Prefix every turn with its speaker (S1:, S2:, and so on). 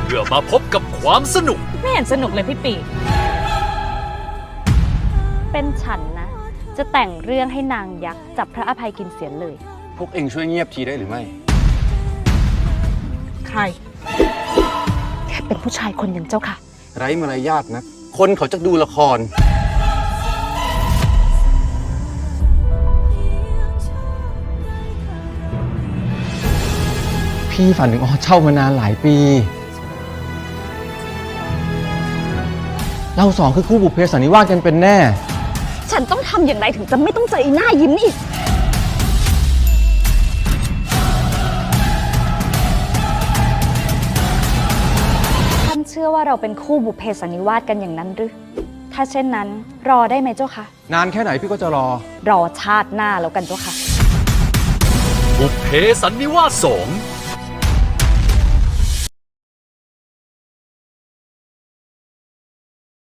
S1: พื่อมาพบกับความสนุก
S2: ไม่เห็นสนุกเลยพี่ปีเป็นฉันนะจะแต่งเรื่องให้นางยักษ์จับพระอภัยกินเสียเลย
S3: พวกเองช่วยเงียบทีได้หรือไม่
S2: ใครแค่เป็นผู้ชายคนหนึ่งเจ้าค่ะ
S3: ไร้มารยาทนะคนเขาจะดูละครพี่ฝันถึงเช่ามานานหลายปีเราสองคือคู่บุพเพสันนิวาสกันเป็นแน่
S2: ฉันต้องทำอย่างไรถึงจะไม่ต้องเจออีหน้ายิ้มอีกท่านเชื่อว่าเราเป็นคู่บุพเพสันนิวาสกันอย่างนั้นหรือถ้าเช่นนั้นรอได้ไหมเจ้าคะ
S3: นานแค่ไหนพี่ก็จะรอ
S2: ชาติหน้าแล้วกันเจ้าค่ะ
S1: บุพเพสันนิวาส2